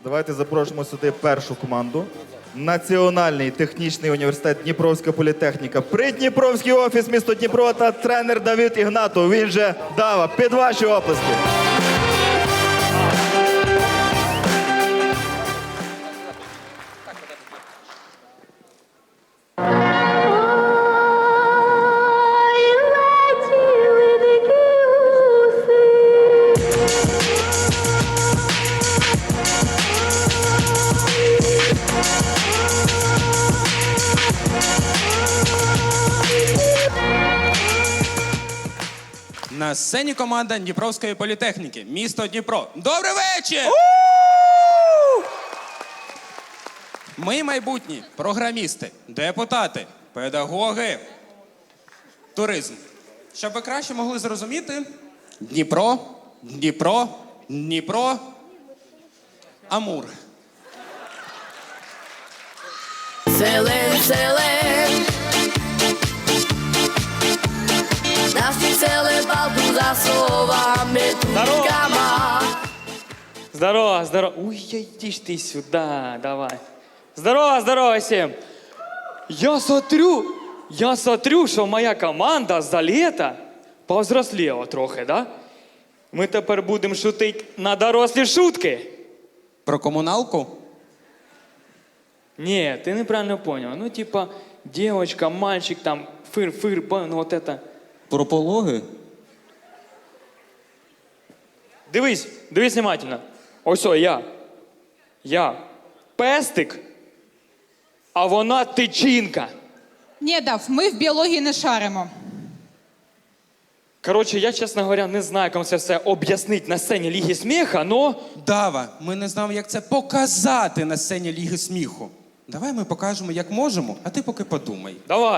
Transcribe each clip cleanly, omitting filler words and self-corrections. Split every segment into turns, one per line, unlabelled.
Давайте запрошуємо сюди першу команду. Національний технічний університет Дніпровська політехніка. Придніпровський офіс місто Дніпро та тренер Давид Ігнатов. Він же Дава. Під ваші оплески.
На сцені команда Дніпровської політехніки. Місто Дніпро. Добрий вечір! Ми майбутні програмісти, депутати, педагоги, туризм. Щоб ви краще могли зрозуміти, Дніпро, Дніпро, Дніпро, Амур.
Селен, селен, наші сели балку за словами туркама.
Здорово, здорово. Ой, иди ж ты сюда, давай. Здорово, здорово всем. Я смотрю, що моя команда за літо повзросліла трохи, да? Ми тепер будемо шутити на дорослі шутки.
Про комуналку?
Не, ты неправильно понял. Ну, типа, девочка, мальчик, там, фыр, ну, вот это.
Про пологи?
Дивись внимательно. Ось, я пестик, а вона тичинка.
Ні, Дав, ми в біології не шаримо.
Коротше, я, чесно говоря, не знаю, як вам це все об'яснити на сцені Ліги сміха, но...
Дава, ми не знаємо, як це показати на сцені Ліги сміху. Давай ми покажемо, як можемо, а ти поки подумай.
Давай.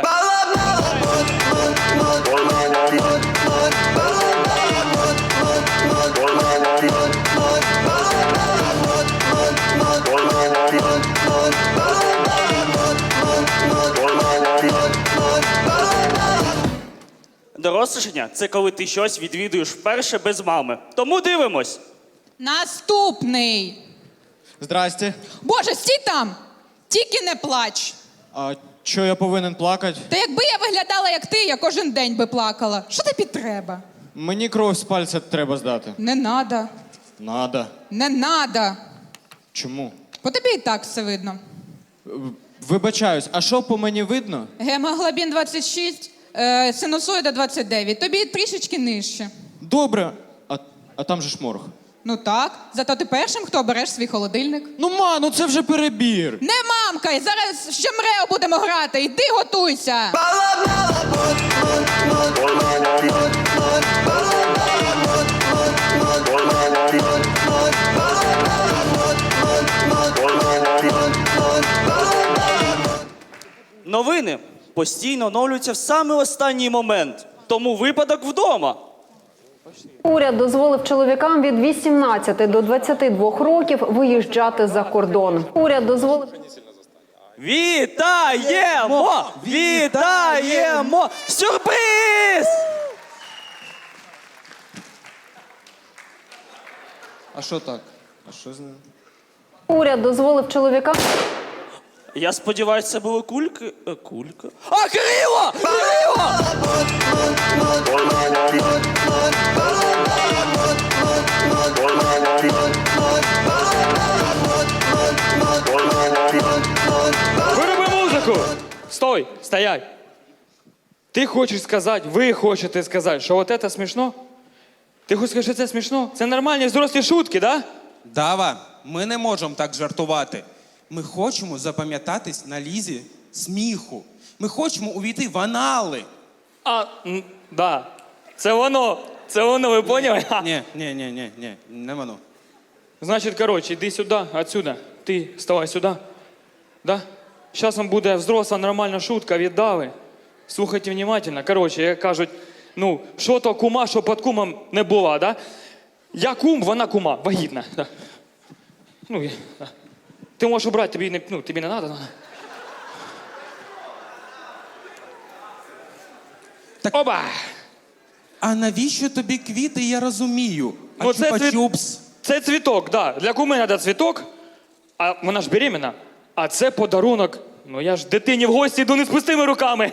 Дорослішання – це коли ти щось відвідуєш вперше без мами. Тому дивимось.
Наступний.
Здрасте.
Боже, стій там! Тільки не плач.
А чо я повинен плакати?
Та якби я виглядала як ти, я кожен день би плакала. Що тобі треба?
Мені кров з пальця треба здати.
Не надо.
Надо.
Не надо.
Чому?
По тобі і так все видно.
Вибачаюсь, а що по мені видно?
Гемоглобін 26, синусоїда 29. Тобі трішечки нижче.
Добре. А там же ж морг.
Ну так, зато ти першим, хто обереш свій холодильник.
Ну це вже перебір.
Не мамкай, зараз ще мрео будемо грати. Йди готуйся.
Новини постійно оновлюються в самий останній момент. Тому випадок вдома.
Уряд дозволив чоловікам від 18 до 22 років виїжджати за кордон. Уряд дозволив...
Вітаємо! Вітаємо! Сюрприз!
А що так? А що з ним?
Уряд дозволив чоловікам...
Я сподіваюся, це були кульки. Кулька. А, Кирило! Кирило!
Вироби музику! Стой, стоять! Ти хочеш сказати, ви хочете сказати, що от це смішно? Ти хочеш сказати, що це смішно? Це нормальні взрослі шутки, да?
Дава, ми не можемо так жартувати. Ми хочемо запам'ятатись на Лізі сміху. Ми хочемо увійти в анали.
Да. Це воно, ви поняли?
Ні, не воно.
Значить, коротше, йди сюди, отсюда. Ти вставай сюди. Да? Зараз вам буде взросла нормальна шутка від Дави. Слухайте внимательно. Коротше, як кажуть, ну, що то кума, що під кумом не була, да? Я кум, вона кума, вагітна. Да. Ну, да. Ти можеш убрати, тобі не треба.
Так,
Оба!
а навіщо тобі квіти, я розумію. А
Ну, це
чупа-чупс?
Це цвіток, да. Для куми треба цвіток, А вона ж беременна. А це подарунок. Ну я ж дитині в гості йду не з пустими руками.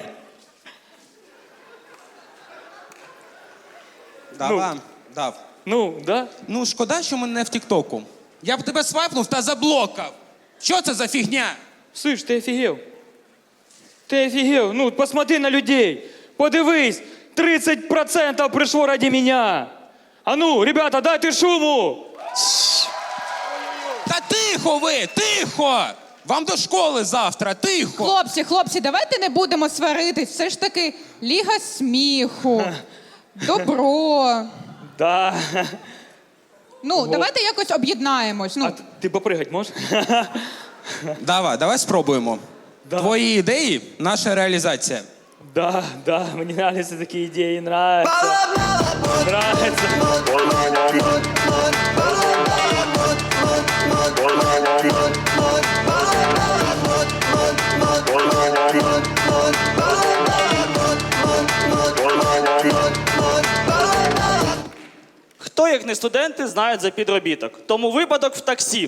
Дава, дав.
Ну, да?
Ну, шкода, що ми не в Тіктоку. Я б тебе свайпнув та заблокав. Що це за фігня?
Слышь, ти офігел? Ти офігел? Ну, посмотри на людей. Подивись, 30% прийшло ради мене. А ну, ребята, дайте шуму.
Та тихо ви, тихо! Вам до школи завтра, тихо!
Хлопці, давайте не будемо сваритись. Все ж таки ліга сміху. Добро.
Да.
Ну, давайте якось об'єднаємось. Ну,
А ти попригать можеш?
Давай спробуємо.
Да.
Твої ідеї – наша реалізація.
Да, мені нравятся такі ідеї, нравятся. Нравятся.
Хто, як не студенти, знають за підробіток? Тому випадок в таксі.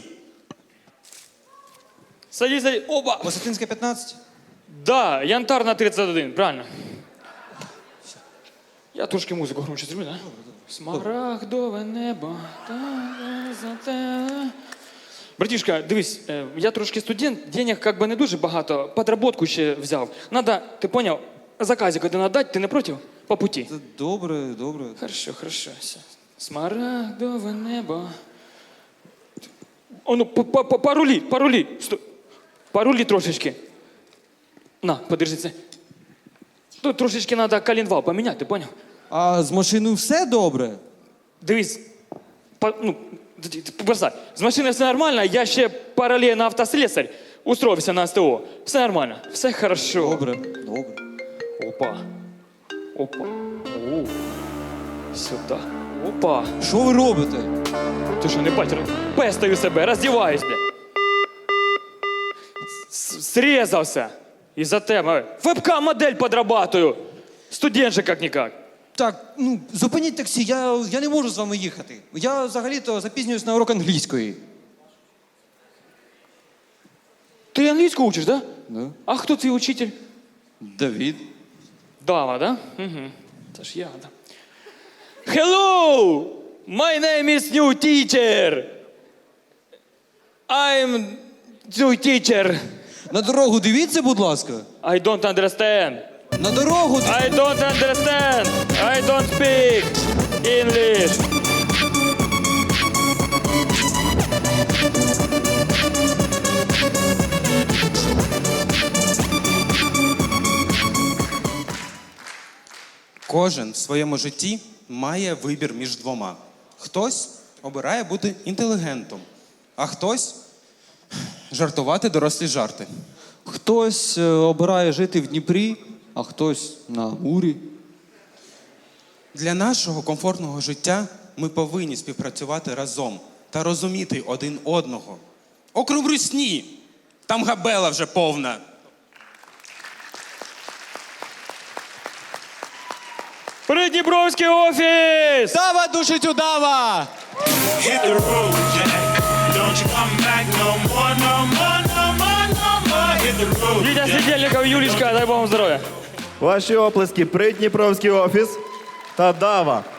Садись. Оба.
Висотинська 15?
Да, янтарна 31, правильно. Я трошки музику громче зроблю, да? Смарагдове небо. Братішка, дивись, я трошки студент, денег как би не дуже багато, подработку ще взяв. Надо, ти поняв, заказик один отдать, ти не проти? По путі.
Добре.
Хорошо. Все. Смарагдове небо. О, ну, парулі. Стой. Парулі трошечки. На, подержи це. Тут трошечки треба коленвал поміняти, ти поняв?
А з машиною все добре?
Дивись, бросай. З машиною все нормально, я ще паралельно автослесарь. Устроився на СТО. Все нормально, все хорошо.
Добре.
Опа. О. Сюди. Опа.
Що ви робите?
Ти що, не бачиш? Пестаю себе, роздіваюсь, бля. Срезався. Із-за тебе. Вебкам-модель подрабатую. Студент же как-никак.
Так, ну, зупиніть таксі, я не можу з вами їхати. Я взагалі-то запізнююсь на урок англійської.
Ти англійську учиш, да?
Да.
А хто твій учитель?
Давід.
Дава, да? Угу. Це ж я, да. Hello! My name is new teacher. I'm new teacher.
На дорогу дивіться, будь ласка.
I don't understand.
На дорогу
I don't understand. I don't speak English.
Кожен в своєму житті має вибір між двома. Хтось обирає бути інтелігентом, а хтось жартувати дорослі жарти.
Хтось обирає жити в Дніпрі, а хтось на Амурі.
Для нашого комфортного життя ми повинні співпрацювати разом та розуміти один одного. Окрім русні, там габела вже повна.
Придніпровський офіс!
Дава душить удава!
Hit the road, Jack. Don't you come back no more, no more, no more, no more. Hit the road,
Вітя
Jack.
Світельников, Юлічка, дай Богу здоров'я.
Ваші оплески Придніпровський офіс та Дава.